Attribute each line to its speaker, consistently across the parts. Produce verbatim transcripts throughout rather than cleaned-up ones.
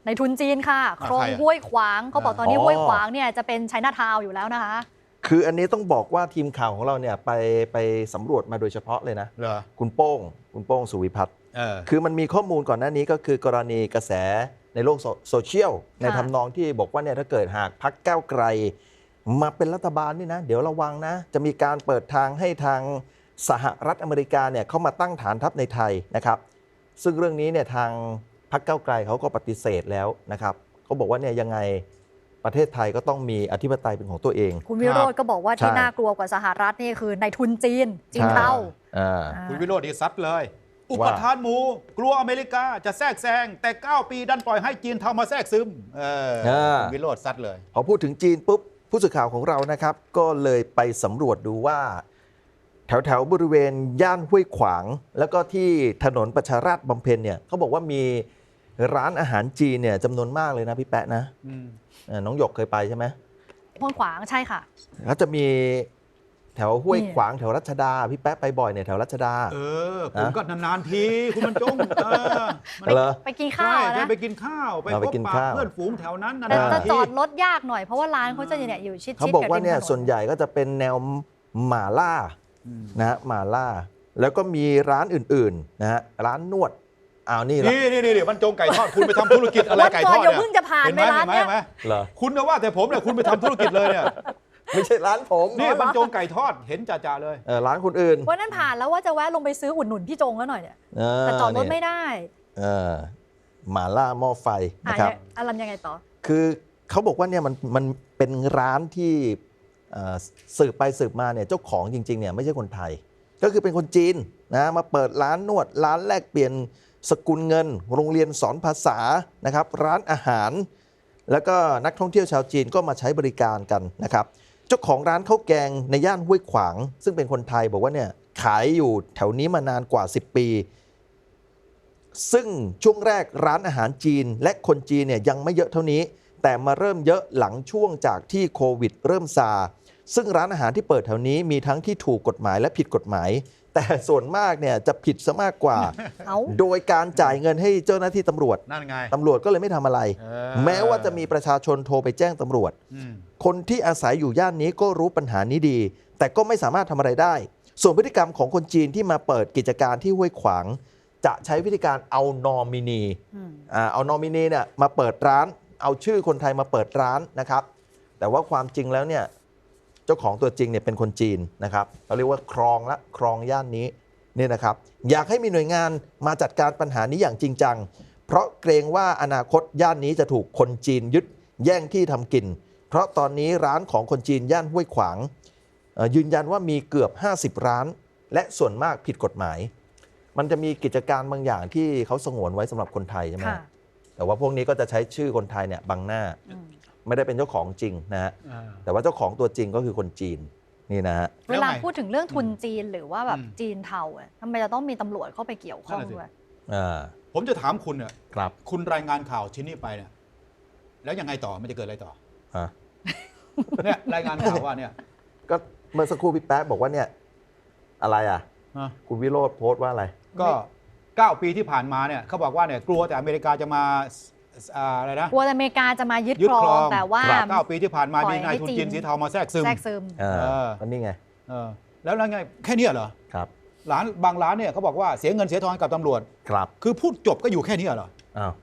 Speaker 1: ในทุนจีนค่ะคลองห้วยขวางเขาบอกตอนนี้ห้วยขวางเนี่ยจะเป็นไชน่าทาวน์อยู่แล้วนะคะ
Speaker 2: คืออันนี้ต้องบอกว่าทีมข่าวของเราเนี่ยไปไปสำรวจมาโดยเฉพาะเลยนะคุณโป้งคุณโป้งสุวิพัฒน์คือมันมีข้อมูลก่อนหน้านี้ก็คือกรณีกระแสในโลกโซเชียลในทำนองที่บอกว่าเนี่ยถ้าเกิดหากพรรคก้าวไกลมาเป็นรัฐบาลนี่นะเดี๋ยวระวังนะจะมีการเปิดทางให้ทางสหรัฐอเมริกาเนี่ยเข้ามาตั้งฐานทัพในไทยนะครับซึ่งเรื่องนี้เนี่ยทางพรรคก้าวไกลเขาก็ปฏิเสธแล้วนะครับเขาบอกว่าเนี่ยยังไงประเทศไทยก็ต้องมีอธิปไตยเป็นของตัวเอง
Speaker 1: คุณวิโรจน์ก็บอกว่าที่น่ากลัวกว่าสหรัฐนี่คือในทุนจีนจีนเทา
Speaker 3: คุณวิโรจน์นี่ซัดเลยอุปทานหมู่กลัวอเมริกาจะแทรกแซงแต่เก้าปีดันปล่อยให้จีนเทามาแทรกซึมคุณวิโรจน์ซัดเลย
Speaker 2: พอพูดถึงจีนปุ๊บผู้สื่อข่าวของเรานะครับก็เลยไปสำรวจดูว่าแถวแถวบริเวณย่านห้วยขวางแล้วก็ที่ถนนประชาราษฎร์บำเพ็ญเนี่ยเขาบอกว่ามีร้านอาหารจีนเนี่ยจำนวนมากเลยนะพี่แปะนะน้องหยกเคยไปใช่ไหม
Speaker 1: ห้วยขวางใช่ค่ะ
Speaker 2: เขาจะมีแถวห้วยขวางแถวรัชดาพี่แป๊ะไปบ่อยเนี่ยแถวรัชดา
Speaker 3: เออผมก็นานๆทีคุณบรรจง
Speaker 1: ไปกินข้าวนะ
Speaker 3: ไปกินข้าวไปพบปะเพื่อนฝูงแถวนั้น
Speaker 1: แต่จะจอดรถยากหน่อยเพราะว่าร้านเขาจะเนี่ยอยู่ชิดๆ
Speaker 2: เขาบอกว่าเนี่ยส่วนใหญ่ก็จะเป็นแนวหม่าล่านะหม่าล่าแล้วก็มีร้านอื่นๆนะฮะร้านนวดอ้าวนี่
Speaker 3: นี่นี่นี่บรรจงไก่ทอดคุณไปทำธุรกิจอะไรไก่ทอดเนี่ย
Speaker 1: เพิ่งจะผ่านไปร้านเนี่ย
Speaker 3: คุณนะว่าแต่ผมเนี่ยคุณไปทำธุรกิจเลยเนี่ย
Speaker 2: ไม่ใช่ร้านผม
Speaker 3: นี่บรรจงไก่ทอดเห็นจ่าๆเลย
Speaker 2: เออร้านคนอื่น
Speaker 1: วันนั้นผ่านแล้วว่าจะแวะลงไปซื้ออุดหนุนพี่จงแล้วหน่อยเนี่ยแต่จอดรถไม่ได้
Speaker 2: เออหม่าล่าหม้อไฟนะครับ
Speaker 1: อะไรยังไงต่อ
Speaker 2: คือเขาบอกว่าเนี่ยมันมันเป็นร้านที่สืบไปสืบมาเนี่ยเจ้าของจริงๆเนี่ยไม่ใช่คนไทยก็คือเป็นคนจีนนะมาเปิดร้านนวดร้านแลกเปลี่ยนสกุลเงินโรงเรียนสอนภาษานะครับร้านอาหารแล้วก็นักท่องเที่ยวชาวจีนก็มาใช้บริการกันนะครับเจ้าของร้านข้าวแกงในย่านห้วยขวางซึ่งเป็นคนไทยบอกว่าเนี่ยขายอยู่แถวนี้มานานกว่าสิบปีซึ่งช่วงแรกร้านอาหารจีนและคนจีนเนี่ยยังไม่เยอะเท่านี้แต่มาเริ่มเยอะหลังช่วงจากที่โควิดเริ่มซาซึ่งร้านอาหารที่เปิดแถวนี้มีทั้งที่ถูกกฎหมายและผิดกฎหมายแต่ส่วนมากเนี่ยจะผิดซะมากกว่าโดยการจ่ายเงินให้เจ้าหน้าที่ตำรวจ
Speaker 3: นั่นไง
Speaker 2: ตำรวจก็เลยไม่ทำอะไรแม้ว่าจะมีประชาชนโทรไปแจ้งตำรวจคนที่อาศัยอยู่ย่านนี้ก็รู้ปัญหานี้ดีแต่ก็ไม่สามารถทำอะไรได้ส่วนพฤติกรรมของคนจีนที่มาเปิดกิจการที่ห้วยขวางจะใช้วิธีการเอานอมินีเอานอมินีเนี่ยมาเปิดร้านเอาชื่อคนไทยมาเปิดร้านนะครับแต่ว่าความจริงแล้วเนี่ยเจ้าของตัวจริงเนี่ยเป็นคนจีนนะครับเราเรียกว่าครองละครองย่านนี้นี่นะครับอยากให้มีหน่วยงานมาจัดการปัญหานี้อย่างจริงจังเพราะเกรงว่าอนาคตย่านนี้จะถูกคนจีนยึดแย่งที่ทำกินเพราะตอนนี้ร้านของคนจีนย่านห้วยขวางยืนยันว่ามีเกือบห้าสิบร้านและส่วนมากผิดกฎหมายมันจะมีกิจการบางอย่างที่เขาสงวนไว้สำหรับคนไทยใช่ไหมแต่ว่าพวกนี้ก็จะใช้ชื่อคนไทยเนี่ยบังหน้าไม่ได้เป็นเจ้าของจริงนะฮะแต่ว่าเจ้าของตัวจริงก็คือคนจีนนี่นะฮะ
Speaker 1: เวลาพูดถึงเรื่องทุนจีนหรือว่าแบบจีนเทาอ่ะทำไมจะต้องมีตำรวจเข้าไปเกี่ยวข้องด้วย
Speaker 3: ผมจะถามคุณเนี่ย
Speaker 2: ครับ
Speaker 3: คุณรายงานข่าวชิ้นนี้ไปเนี่ยแล้วยังไงต่อมันจะเกิดอะไรต่อเนี่ยรายงานข่าวว่าเนี่ย
Speaker 2: ก็เมื่อสักครู่พี่แป๊ะบอกว่าเนี่ยอะไรอ่ะคุณวิโรจน์โพสต์ว่าอะไร
Speaker 3: ก็เก้าปีที่ผ่านมาเนี่ยเขาบอกว่าเนี่ยกลัวแต่อเมริกาจะมาอะไรนะ
Speaker 1: กลัวอเมริกาจะมายึดครองแต่ว่า
Speaker 3: เก้าปีที่ผ่านมามีนายทุนจีนสีเทามาแทรกซึม
Speaker 1: แทรกซึม
Speaker 2: อันนี้ไง
Speaker 3: แล้วแล้วไงแค่นี้เหรอ
Speaker 2: ครับ
Speaker 3: ร้านบางร้านเนี่ยเขาบอกว่าเสียเงินเสียทองกับตำรวจ
Speaker 2: ครับ
Speaker 3: คือพูดจบก็อยู่แค่นี้เหรอ
Speaker 2: อ้าว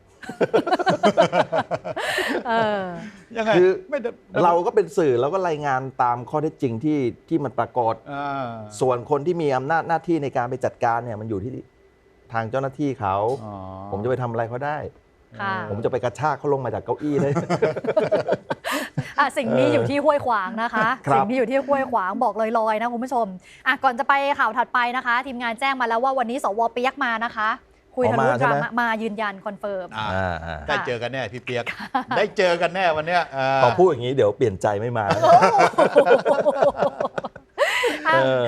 Speaker 3: ยังไง
Speaker 2: คือเราก็เป็นสื่อเราก็รายงานตามข้อเท็จจริงที่ที่มันปรากฏส่วนคนที่มีอำนาจหน้าที่ในการไปจัดการเนี่ยมันอยู่ที่ทางเจ้าหน้าที่เขาผมจะไปทำอะไรเขาได้ผมจะไปกระชากเขาลงมาจากเก้าอี้เลย
Speaker 1: สิ่งนี้อยู่ที่ห้วยขวางนะคะสิ่งนี้อยู่ที่ห้วยขวางบอกลอยๆนะคุณผู้ชมอ่ะก่อนจะไปข่าวถัดไปนะคะทีมงานแจ้งมาแล้วว่าวันนี้สวเปียกมานะคะคุยทะลุดราม่ามายืนยันคอนเฟิร์ม
Speaker 3: ได้เจอกันแน่พี่เปียกได้เจอกันแน่วันนี้
Speaker 2: พอพูดอย่างนี้เดี๋ยวเปลี่ยนใจไม่มา